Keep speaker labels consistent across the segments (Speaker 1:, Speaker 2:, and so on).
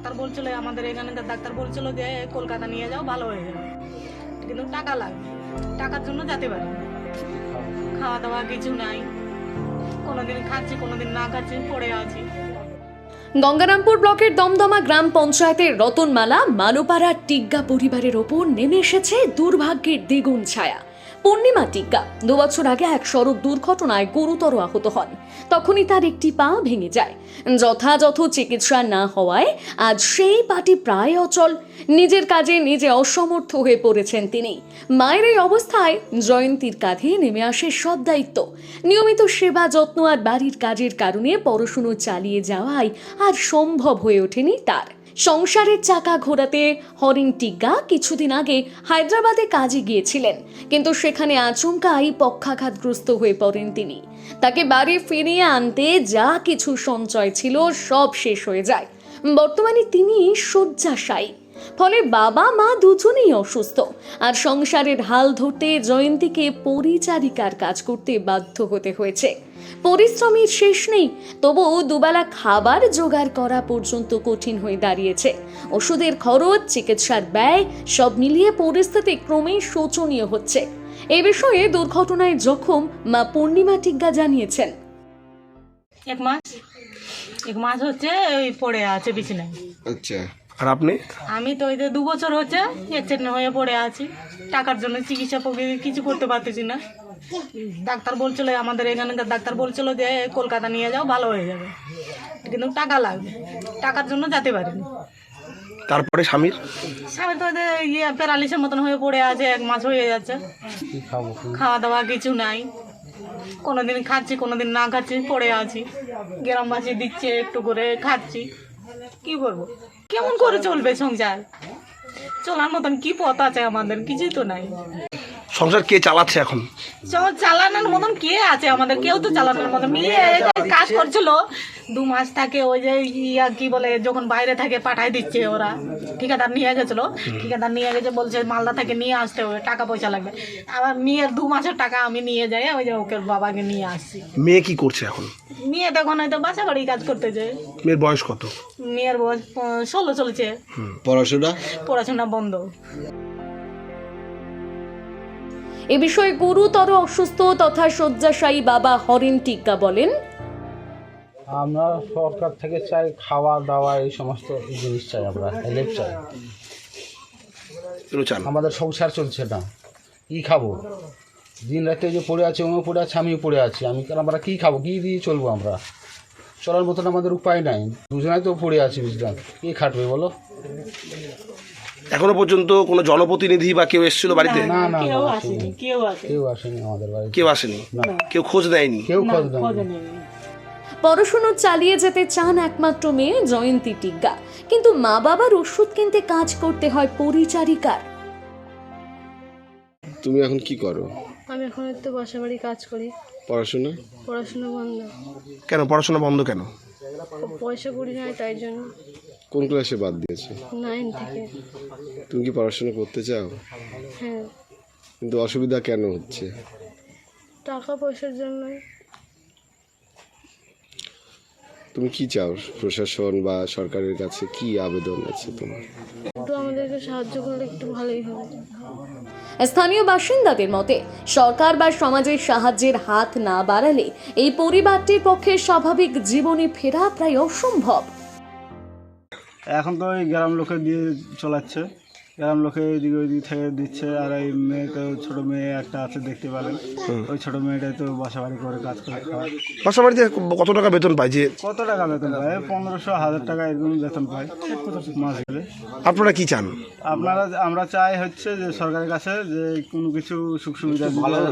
Speaker 1: Doctor বলছিল, আমাদের এখানকার ডাক্তার বলছিল যে কলকাতা নিয়ে যাও, ভালো হয়ে যাবে, কিন্তু টাকা লাগবে, টাকার জন্য যেতে পারি না। খাওয়া দাওয়া কিছু নাই, কোনোদিন খাচ্ছি কোনোদিন না খাচ্ছি, পড়ে আছি।
Speaker 2: গঙ্গারামপুর ব্লকের দমদমা গ্রাম পঞ্চায়েতের রতনমালা মালোপাড়ার টিগ্গা পরিবারের ওপর নেমে এসেছে দুর্ভাগ্যের দ্বিগুণ ছায়া। পূর্ণিমা টিগ্গা 2 বছর আগে এক সড়ক দুর্ঘটনায় গুরুতর আহত হন। তখনই তার একটি পা ভেঙে যায়। যথাযথ চিকিৎসা না হওয়ায় আজ সেই পাটি প্রায় অচল। নিজের কাজে নিজে অসমর্থ হয়ে পড়েছেন তিনি। মায়ের এই অবস্থায় জয়ন্তীর কাঁধে নেমে আসে সব দায়িত্ব। নিয়মিত সেবা যত্ন আর বাড়ির কাজের কারণে পড়াশুনো চালিয়ে যাওয়াই আর সম্ভব হয়ে ওঠেনি তার। সংসারের চাকা ঘোরাতে হরিণ টিগ্গা কিছুদিন আগে হায়দ্রাবাদে কাজে গিয়েছিলেন, কিন্তু সেখানে আচমকাই পক্ষাঘাতগ্রস্ত হয়ে পড়েন তিনি। তাকে বাড়ি ফিরিয়ে আনতে যা কিছু সঞ্চয় ছিল সব শেষ হয়ে যায়। বর্তমানে তিনি শয্যাশায়ী। ফলে বাবা মা দুজনেই অসুস্থ, আর সংসারের হাল ধরতে জয়ন্তীকে পরিচারিকার কাজ করতে বাধ্য হতে হয়েছে। পরিশ্রমের শেষ নেই, তবুও দুবেলা খাবার জোগাড় করা পর্যন্ত কঠিন হয়ে দাঁড়িয়েছে। ওষুধের খরচ, চিকিৎসার ব্যয় সব মিলিয়ে পরিস্থিতি ক্রমেই শোচনীয় হচ্ছে। এই বিষয়ে দুর্ঘটনায় জখম মা পূর্ণিমা টিগ্গা জানিয়েছেন,
Speaker 1: এক মাস হচ্ছে ওই পড়ে আছে বিছানায়।
Speaker 3: আচ্ছা, আর আপনি?
Speaker 1: আমি তো ওই যে 2 বছর হচ্ছে অ্যাক্সিডেন্ট হয়ে পড়ে আছি, টাকার জন্য চিকিৎসা কিছু করতে পারতেছি না। ডাক্তার বলছিল, আমাদের এখানকার ডাক্তার বলছিল যে কলকাতা নিয়ে যাও, ভালো হয়ে যাবে, কিন্তু টাকা লাগবে, টাকার জন্য যেতে পারিনি।
Speaker 3: তারপরে স্বামী
Speaker 1: তো প্যারালিসের মতন হয়ে পড়ে আছে, 1 মাস হয়ে যাচ্ছে, খাওয়া দাওয়া কিছু নাই, কোনোদিন খাচ্ছি কোনোদিন না খাচ্ছি, পড়ে আছি। গ্রামবাসী দিচ্ছে একটু করে খাচ্ছি, কি করবো, কেমন করে চলবে সংসার? চলার মতন কি পথ আছে আমাদের? কিছুই তো নাই।
Speaker 3: সংসার কে চালাচ্ছে এখন?
Speaker 1: চালানোর মতন কে আছে আমাদের? কেউ তো চালানোর মতন। মেয়ে কাজ করছিল 2 মাস থাকে, ওই যে কি বলে, যখন বাইরে থাকে পাঠাই দিচ্ছে ওরা। ঠিকাদার নিয়ে গেছিল, ঠিকাদার নিয়ে গেছে, বলছে মালদা থেকে নিয়ে আসতে হবে, টাকা পয়সা লাগবে। আবার মেয়ের 2 মাসের টাকা আমি নিয়ে যাই, ওই যে ওকে বাবাকে নিয়ে আসছি।
Speaker 3: মেয়ে কি করছে এখন?
Speaker 1: মেয়ে তখন হয়তো বাসা বাড়ি কাজ করতে যায়।
Speaker 3: মেয়ের বয়স কত?
Speaker 1: মেয়ের বয়স 16 চলছে। পড়াশোনা বন্ধ।
Speaker 2: এ বিষয়ে গুরুতর অসুস্থ তথা শয্যাশায়ী বাবা হরিণ টিগ্গা বলেন,
Speaker 4: আমরা সরকার থেকে চাই খাওয়া দাওয়া, এই সমস্ত জিনিস চাই, আমরা হেল্প চাই। আমাদের সংসার চলছে না, কি খাবো? দিন রাতে যে পড়ে আছে, উনিও পড়ে আছে, আমিও পড়ে আছি। আমরা কি খাবো, কি দিয়ে চলবো? আমরা চলার মতন আমাদের উপায় নাই, দুজনাই তো পড়ে আছি, বুঝলাম, কি খাটবে বলো?
Speaker 3: এখনো পর্যন্ত কোনো জনপ্রতিনিধি বা কেউ এসেছিল বাড়িতে?
Speaker 4: না না,
Speaker 1: কেউ আসেনি
Speaker 4: আমাদের বাড়িতে,
Speaker 3: কেউ আসেনি, কেউ খোঁজ দেয়নি,
Speaker 4: কেউ খোঁজ দেয়নি।
Speaker 2: পড়াশুনো চালিয়ে যেতে চান একমাত্র মেয়ে জয়ন্তী টিগ্গা, কিন্তু মা বাবার ওষুধ কিনতে কাজ করতে হয় পরিচারিকার।
Speaker 5: তুমি এখন কি করো?
Speaker 6: আমি এখন একটু বাসা বাড়ি কাজ করি।
Speaker 5: পড়াশোনা?
Speaker 6: পড়াশোনা বন্ধ।
Speaker 3: কেন পড়াশোনা বন্ধ কেন?
Speaker 6: পয়সা করি নাই, তাই জন্য।
Speaker 5: কোন ক্লাসে বাদ দিয়েছো?
Speaker 6: 9 থেকে।
Speaker 5: তুমি কি পড়াশোনা করতে চাও?
Speaker 6: হ্যাঁ।
Speaker 5: কিন্তু অসুবিধা কেন হচ্ছে?
Speaker 6: টাকা পয়সার জন্যই।
Speaker 5: তুমি কি চাও? প্রশাসন বা সরকারের কাছে কি আবেদন আছে তোমার?
Speaker 6: একটু আমাদেরকে সাহায্য করলে একটু ভালোই হবে।
Speaker 2: স্থানীয় বাসিন্দাদের মতে সরকার বা সমাজের সাহায্যের হাত না বাড়ালে এই পরিবারটির পক্ষে স্বাভাবিক জীবনে ফেরা প্রায় অসম্ভব।
Speaker 4: এখন তো ওই গ্রাম লোকে দিয়ে চলাচ্ছে, গ্রাম লোকে এদিকে ওইদিক থেকে দিচ্ছে। আর এই মেয়েকে, ছোট মেয়ে একটা আছে দেখতে পেলেন, ওই ছোট মেয়েটাই তো বাসা বাড়ি করে কাজ করে খাওয়ায়।
Speaker 3: বাসা বাড়িতে কত টাকা বেতন পায়? যে
Speaker 4: কত টাকা বেতন পায়? 1500, 1000 টাকা এরকম বেতন পায় মাস গেলে।
Speaker 3: আপনারা কি চান?
Speaker 4: আমরা চাই হচ্ছে যে সরকারের কাছে যে কোনো কিছু সুখ সুবিধা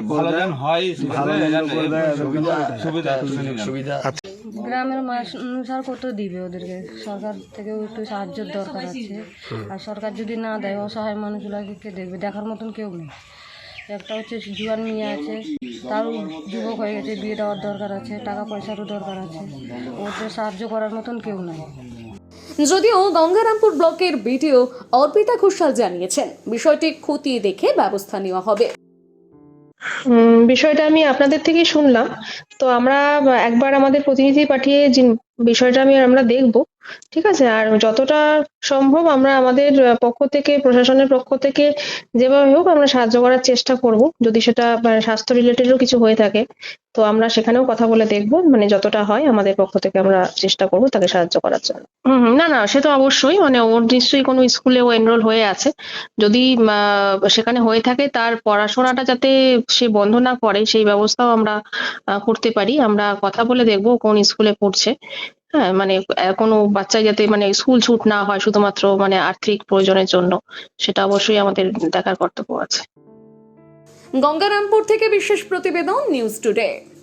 Speaker 4: সুবিধা।
Speaker 6: গ্রামের মানুষ আর কত দিবে ওদেরকে? সরকার থেকেও একটু সাহায্যের দরকার আছে। আর সরকার যদি না দেয়, অসহায় মানুষগুলোকে কে দেখবে? দেখার মতন কেউ নেই। একটা হচ্ছে জুয়ান মেয়ে আছে, তারও যুবক হয়ে গেছে, বিয়ে দেওয়ার দরকার আছে, টাকা পয়সারও দরকার আছে। ওদের সাহায্য করার মতন কেউ নাই।
Speaker 2: যদিও গঙ্গারামপুর ব্লকের বিডিও অর্পিতা ঘোষাল জানিয়েছেন বিষয়টি খতিয়ে দেখে ব্যবস্থা নেওয়া হবে।
Speaker 7: বিষয়টা আমি আপনাদের থেকেই শুনলাম, তো আমরা একবার আমাদের প্রতিনিধি পাঠিয়ে বিষয়টা আমরা দেখব। ঠিক আছে, আর যতটা সম্ভব আমরা আমাদের পক্ষ থেকে, প্রশাসনের পক্ষ থেকে যেভাবে হোক আমরা সাহায্য করার চেষ্টা করব। যদি সেটা স্বাস্থ্য রিলেটেডও কিছু হয়ে থাকে তো আমরা সেখানেও কথা বলে দেখব, মানে যতটা হয় আমাদের পক্ষ থেকে আমরা চেষ্টা করব তাকে সাহায্য করার জন্য। না না, সে তো অবশ্যই, মানে ওর নিশ্চয়ই কোনো স্কুলে ও এনরোল হয়ে আছে। যদি সেখানে হয়ে থাকে তার পড়াশোনাটা যাতে সে বন্ধ না করে সেই ব্যবস্থাও আমরা করতে পারি। আমরা কথা বলে দেখবো কোন স্কুলে পড়ছে। হ্যাঁ, মানে কোনো বাচ্চা যাতে মানে স্কুল ছুট না হয় শুধুমাত্র মানে আর্থিক প্রয়োজনের জন্য, সেটা অবশ্যই আমাদের দেখার কর্তব্য আছে।
Speaker 2: গঙ্গারামপুর থেকে বিশেষ প্রতিবেদন, নিউজ টুডে।